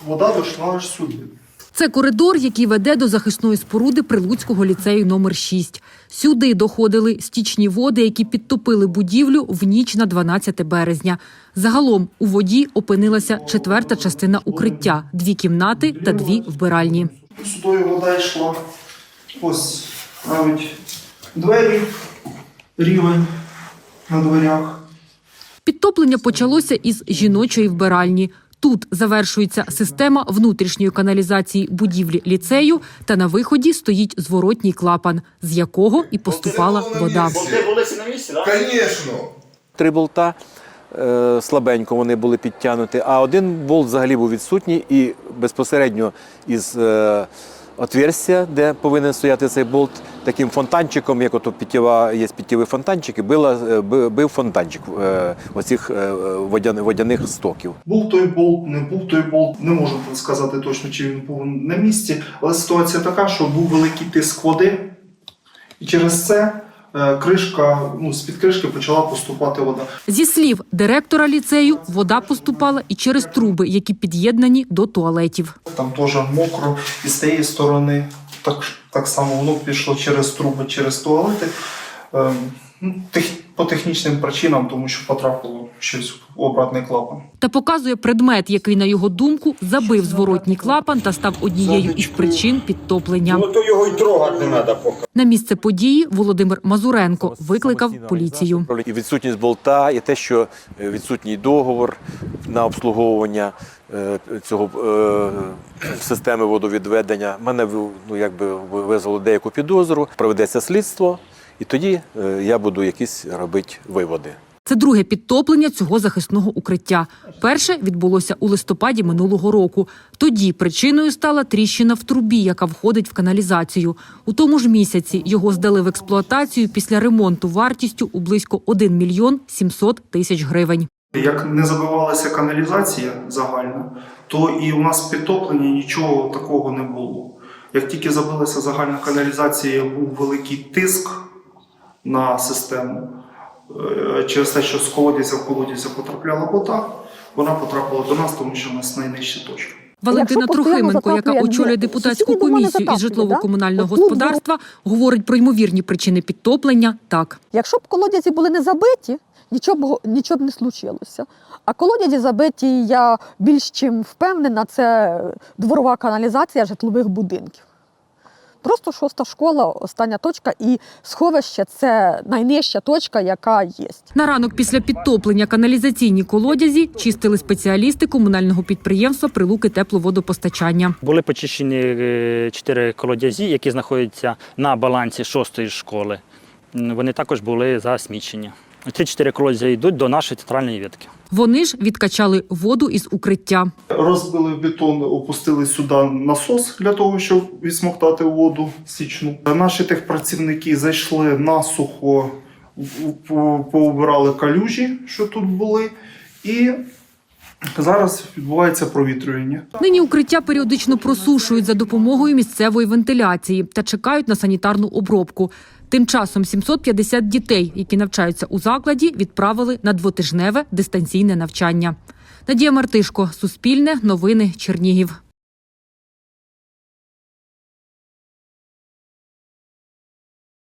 Вода дійшла аж сюди. Це коридор, який веде до захисної споруди Прилуцького ліцею номер 6. Сюди доходили стічні води, які підтопили будівлю в ніч на 12 березня. Загалом у воді опинилася четверта частина укриття – 2 кімнати та 2 вбиральні. Сюди вода йшла. Ось навіть двері, рівень на дверях. Підтоплення почалося із жіночої вбиральні. Тут завершується система внутрішньої каналізації будівлі ліцею, та на виході стоїть зворотній клапан, з якого і поступала вода. Болти були на місці, так? Звісно. 3 болта слабенько вони були підтягнуті, а один болт взагалі був відсутній і безпосередньо із отверстя, де повинен стояти цей болт, таким фонтанчиком, як ото є питєві фонтанчики, бив фонтанчик оцих водяних стоків. Був той болт, не був той болт. Не можу сказати точно, чи він був на місці. Але ситуація така, що був великий тиск води. І через це з-під кришки почала поступати вода. Зі слів директора ліцею, вода поступала і через труби, які під'єднані до туалетів. Там теж мокро, і з тієї сторони так само воно пішло через труби, через туалети. По технічним причинам, тому що потрапило щось в обратний клапан. Та показує предмет, який, на його думку, забив зворотній клапан та став однією із причин підтоплення. Ну то його й трогати не треба поки. На місце події Володимир Мазуренко викликав поліцію. І відсутність болта, і те, що відсутній договор на обслуговування цього системи водовідведення. Мене визвало деяку підозру, проведеться слідство, і тоді я буду якісь робити виводи. Це друге підтоплення цього захисного укриття. Перше відбулося у листопаді минулого року. Тоді причиною стала тріщина в трубі, яка входить в каналізацію. У тому ж місяці його здали в експлуатацію після ремонту вартістю у близько 1 мільйон 700 тисяч гривень. Як не забивалася каналізація загальна, то і у нас підтоплення нічого такого не було. Як тільки забилася загальна каналізація, був великий тиск на систему. Через те, що з колодязя в колодязя потрапляла вода, вона потрапила до нас, тому що у нас найнижча точка. Валентина Трохименко, яка очолює депутатську комісію із житлово-комунального господарства, говорить про ймовірні причини підтоплення так. Якщо б колодязі були не забиті, нічого б не случилося. А колодязі забиті, я більш чим впевнена, це дворова каналізація житлових будинків. Просто 6-та школа, остання точка, і сховище – це найнижча точка, яка є. На ранок після підтоплення каналізаційні колодязі чистили спеціалісти комунального підприємства «Прилуки тепловодопостачання». Були почищені 4 колодязі, які знаходяться на балансі 6-ї школи. Вони також були засмічені. Ці 4 колодязі йдуть до нашої центральної ветки. Вони ж відкачали воду із укриття. Розбили бетон, опустили сюди насос для того, щоб відсмоктати воду стічну. Наші техпрацівники зайшли насухо, поубирали калюжі, що тут були, і зараз відбувається провітрювання. Нині укриття періодично просушують за допомогою місцевої вентиляції та чекають на санітарну обробку. Тим часом 750 дітей, які навчаються у закладі, відправили на 2-тижневе дистанційне навчання. Надія Мартишко, Суспільне, Новини, Чернігів.